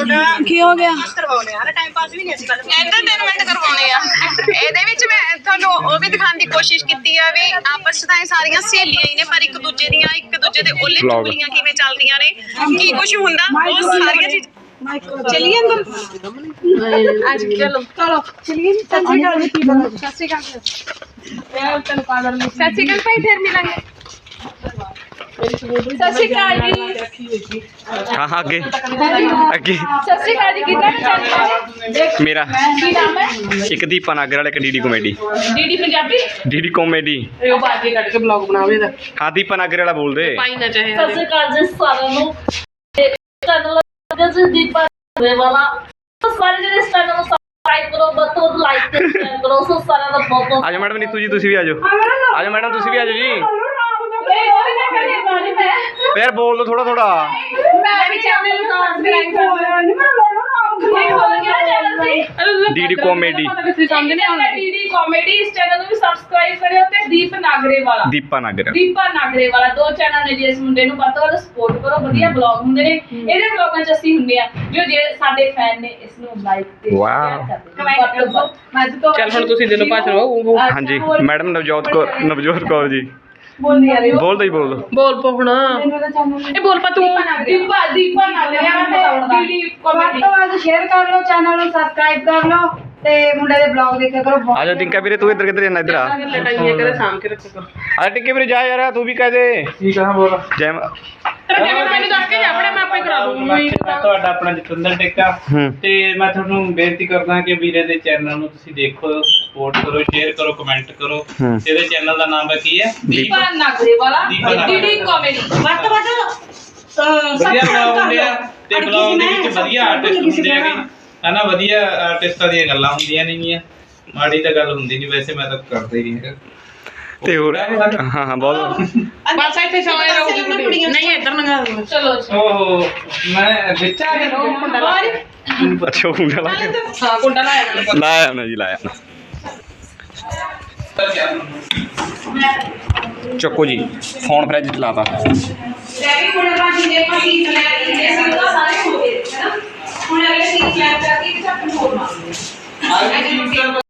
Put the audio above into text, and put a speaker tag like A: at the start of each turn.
A: ਕੀ ਹੋ ਗਿਆ
B: ਕਰਵਾਉਣੇ ਆ ਟਾਈਮ ਪਾਸ ਵੀ ਨਹੀਂ ਅਸੀਂ ਗੱਲ ਐਂਟਰਟੇਨਮੈਂਟ ਕਰਵਾਉਣੇ ਆ ਇਹਦੇ ਵਿੱਚ ਮੈਂ ਤੁਹਾਨੂੰ ਉਹ ਵੀ ਦਿਖਾਉਣ ਦੀ ਕੋਸ਼ਿਸ਼ ਕੀਤੀ ਆ ਵੀ ਆਪਸ ਵਿੱਚ ਤਾਂ ਇਹ ਸਾਰੀਆਂ ਸਹੇਲੀਆਂ ਹੀ ਨੇ ਪਰ ਇੱਕ ਦੂਜੇ ਦੇ ਉੱਲੇ ਚੁਗਲੀਆਂ ਕਿਵੇਂ ਚੱਲਦੀਆਂ ਨੇ ਕੀ ਕੁਝ ਹੁੰਦਾ ਉਹ ਸਾਰੀਆਂ ਚੀਜ਼ਾਂ चलिए अंदर आज चलो चलो चलिए सत श्री अकाल सत श्री अकाल भाई फिर मिलेंगे सत श्री अकाल जी
C: हाँ आगे आगे
B: सत श्री अकाल जी कितना
C: मेरा
B: की नाम है
C: एक दीपा नागर वाला एक DD comedy
B: DD Punjabi
C: DD comedy
A: ਉਹ ਬਾਜੀ ਕੱਢ ਕੇ ਬਲੌਗ ਬਣਾਵੇ ਦਾ
C: हाँ दीपा नागर वाला बोल दे
A: ਪਾਈ ਨਾ ਚਾਹੇ
D: ਸਤਿ ਸ਼੍ਰੀ ਅਕਾਲ ਜੀ ਸਾਰਿਆਂ ਨੂੰ ਚੈਨਲ ਜੀ ਦੀਪਾ ਵਾਲਾ ਸਾਰੇ ਜਿਹੜੇ ਚੈਨਲ ਨੂੰ ਸਬਸਕ੍ਰਾਈਬ ਕਰੋ ਵੱਧ ਤੋਂ ਵੱਧ ਲਾਈਕ ਤੇ ਸ਼ੇਅਰ ਕਰੋ ਸੋ ਸਾਰਿਆਂ ਦਾ ਬਹੁਤ ਬਹੁਤ
C: आजो मैडम नीतू जी तुसी भी आजो आजो मैडम तुसी भी आजो जी यार बोल दो थोड़ा थोड़ा
B: मैं भी चैनल को सब्सक्राइब कर
C: डीडी कॉमेडी
D: ਡੀਡੀ ਕਾਮੇਡੀ ਇਸ ਚੈਨਲ ਨੂੰ ਵੀ ਸਬਸਕ੍ਰਾਈਬ ਕਰਿਓ ਤੇ ਦੀਪ ਨਾਗਰੇ ਵਾਲਾ
C: दीपा नागर
D: ਦੀਪਾ ਨਾਗਰੇ ਵਾਲਾ ਦੋ ਚੈਨਲ ਨੇ ਜੀ ਇਸ ਮੁੰਡੇ ਨੂੰ ਵੱਧ ਤੋਂ ਵੱਧ ਸਪੋਰਟ ਕਰੋ ਵਧੀਆ ਬਲੌਗ ਹੁੰਦੇ ਨੇ ਇਹਦੇ ਬਲੌਗਾਂ 'ਚ ਅਸੀਂ ਹੁੰਦੇ ਆ ਜੋ ਜੇ ਸਾਡੇ ਫੈਨ ਨੇ ਇਸ ਨੂੰ ਲਾਈਕ ਤੇ
C: ਵਾਓ।
D: ਸ਼ੇਅਰ ਕਰਦੇ ਨੇ
A: ਚੱਲ ਹੁਣ ਤੁਸੀਂ ਦਿਲੋਂ ਭਾਸ਼ਣ ਉਹ
C: हाँ जी मैडम नवजोत कौर जी
D: ਬੋਲ ਯਾਰ
C: बोल दो ही बोल दो
A: ਬੋਲ ਪੋ ਹੁਣ ਇਹ ਬੋਲ ਪਾ ਤੂੰ
D: ਦੀਪਾ ਨਾਗਰੇ ਡੀਡੀ ਕਾਮੇਡੀ
B: शेयर कर लो चैनल को सब्सक्राइब कर लो ते मुंडे दे ब्लॉग देखा करो
C: आजा टिंका वीरे तू इधर किधर जाना इधर आ
A: ਲਟਾਈਆਂ ਕਰੇ ਸਾਂਭ ਕੇ ਰੱਖਿਆ ਕਰੋ
C: अरे टिंके वीरे जा यार तू भी कह दे
E: ਠੀਕ ਆ ਬੋਲ
C: जय
A: ਮੈਨੂੰ ਦੱਸ ਕੇ ਜਾ ਆਪਣੇ ਮੈਂ ਆਪੇ ਕਰਾ ਦੂੰਗੀ
E: ਮੈਂ ਤੁਹਾਡਾ ਆਪਣਾ ਜਤਿੰਦਰ ਟਿੱਕਾ ਤੇ ਮੈਂ ਤੁਹਾਨੂੰ ਬੇਨਤੀ ਕਰਦਾ ਕਿ ਵੀਰੇ ਦੇ ਚੈਨਲ ਨੂੰ ਤੁਸੀਂ ਦੇਖੋ ਸਪੋਰਟ ਕਰੋ ਸ਼ੇਅਰ ਕਰੋ ਕਮੈਂਟ ਕਰੋ ਇਹਦੇ ਚੈਨਲ ਦਾ ਨਾਮ ਕੀ ਹੈ
D: ਦੀਪਾ ਨਾਗਰੇ ਵਾਲਾ ਡੀਡੀ ਕਾਮੇਡੀ
B: ਵੱਧ ਤੋਂ ਵੱਧ
E: ਵਧੀਆ ਬਲੌਗ ਹੁੰਦੇ ਆ ਤੇ ਬਲੌਗ ਦੇ ਵਿੱਚ ਵਧੀਆ ਆਰਟਿਸਟ ਹੁੰਦੇ ਹੈਗੇ ਹਨਾ ਵਧੀਆ ਆਰਟਿਸਟਾਂ ਦੀਆਂ ਗੱਲਾਂ ਹੁੰਦੀਆਂ ਨੇਗੀਆਂ ਮਾੜੀ ਤਾਂ ਗੱਲ ਹੁੰਦੀ ਨਹੀਂ ਵੈਸੇ ਮੈਂ ਤਾਂ ਕਰਦਾ ਹੀ ਨਹੀਂ ਹੈਗਾ
C: ते हो हाँ हाँ बहुत
A: ਬਸ ਇੱਥੇ ਸਮਝ ਰਹੂਗੀ ਨਹੀਂ ਇੱਧਰ ਲੰਘਾ ਦੂੰਗਾ
D: ਚਲੋ
E: ਓਹ ਮੈਂ ਵਿੱਚ ਆ ਗਿਆ
A: ਕੁੰਡਾ ਲਾ ਕੇ
C: अच्छा कुंडा ला के
A: ਹਾਂ ਕੁੰਡਾ ਲਾਇਆ
C: लाया ना जी लाया चक्को जी फोन फ्रिज च लाता
B: ਡੈਡੀ ਕੋਲ ਬਾਜੀ ਦੇ ਪਤੀ ਲੈ ਕੇ ਦੇ ਸਾਰੇ ਹੋ ਗਏ ਹੈ ਨਾ ਹੁਣ ਅਗਲੇ 3 ਲੈਬ ਕਰਕੇ ਚੱਕ ਹੋਰ ਮਾਰ